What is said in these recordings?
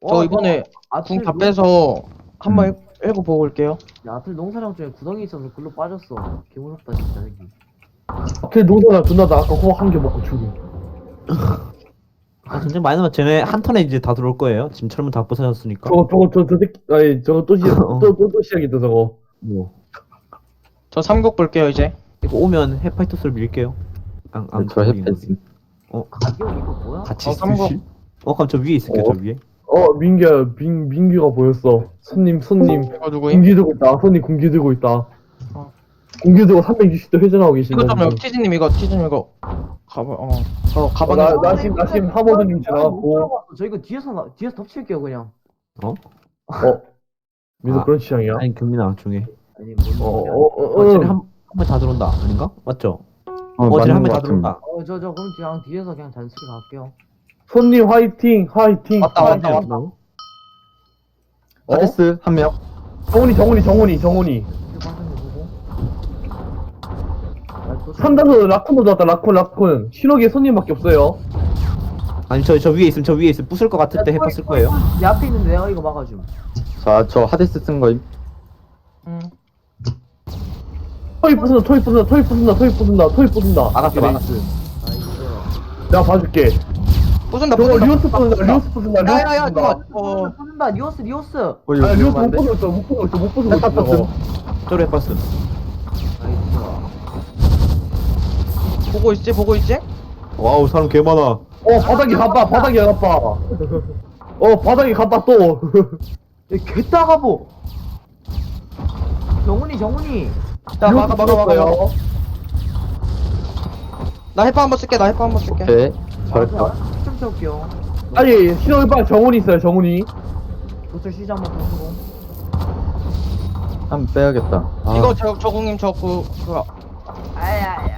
저 이번에 궁 다 빼서 한번 읽고 보고 올게요. 야, 아틀 농사장 중에 구덩이 있어서 글로 빠졌어. 개 무섭다 진짜 여기. 앞에 농사나 존나 나 아까 호박 한 개 먹고 죽임. 아, 전쟁 많이 남았 쟤네 한 턴에 이제 다 들어올 거예요. 지금 철문 다 부서졌으니까. 저 새끼, 아니, 저거 또 시작, 또 시작이다, 저거. 뭐. 저 삼국 볼게요 이제. 이거 오면 해파이토스를 밀게요. 저 햇빛. 가격 이거 뭐야? 같이 삼국. 쓰실? 그럼 저 위에 있을게요. 저 위에. 민규가 보였어. 손님, 이거 누구임? 공기 들고 있다. 손님 공기 들고 있다. 어. 공기 들고 360도 회전하고 이거 계신다. 좀 티즈님 이거 티즈님 이거 저 가방에 나심 하버드님 지나갔고. 저 이거 뒤에서 덮칠게요 그냥. 민서 아. 그런 취향이야? 아니 경민아 중에. 아니 쟤네 한번 다 들어온다. 아닌가? 맞죠? 쟤네 맞는 한번 것 다 같은데. 들어온다. 저 그럼 그냥 뒤에서 그냥 잔소리 갈게요. 손님 화이팅, 화이팅. 왔다, 화이팅. 왔다. 하데스 한 명. 정훈이. 이거 방송에 보고. 산다서 라쿤도 나왔다. 라쿤. 신호기에 손님밖에 없어요. 아니 저 위에 있으면 부술 것 같을 때 해파 쓸 거예요. 내 앞에 있는데 내가 이거 막아줌. 자, 저 하데스 쓴 거임. 토이 부순다. 막았어. 나이스. 내가 봐줄게. 부순다 저거 부순다. 리오스 부순다. 야야야 잠깐. 쏜다 리오스. 이거 아, 리오스 위험한데? 못 부수고 있어. 저거. 저로 해파 쓴. 나이스. 보고 있지? 와우 사람 개 많아. 바닥이 가빠. 바닥이 가빠 또. 개 따가보. 정훈이. 자 막아. 나 해파 한번 쓸게. 오케이. 잘했다. 좀 채울게요. 아니, 신호기 빨리 정훈이 있어요, 정훈이. 도철 시작 한번 보고. 한 번 빼야겠다. 아, 이거 저 궁님 그거 아야야야.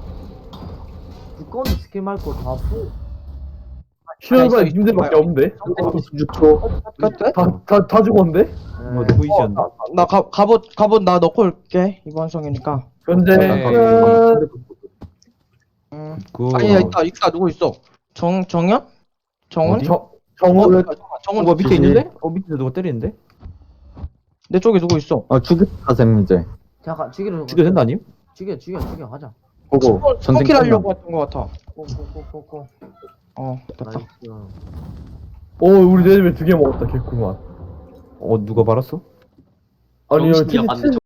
두꺼운 스킬 말고 다 푸. 신호기 빨리 있어, 님들밖에 있어. 없는데? 26초. 끝? 다 죽었는데? 뭐 누구이지 않나? 나 갑옷 나 넣고 올게 이번 성이니까. 현재 네. 끝. 그 아니 있다 누구 있어? 정현? 정훈? 어디? 정훈. 정훈 뭐 밑에 있는데? 밑에 누가 때리는데? 내 쪽에 누구 있어? 죽였다, 쌤, 이제. 잠깐 죽이려. 죽여 된다 아님? 죽여 가자. 보고, 전쟁 스킬 끝나. 하려고 했던 것 같아. 꼬꼬꼬꼬꼬. 됐다. 나이스. 우리 내집에 2개 먹었다, 개꿀맛. 누가 말았어? 아니요, 정신이 약간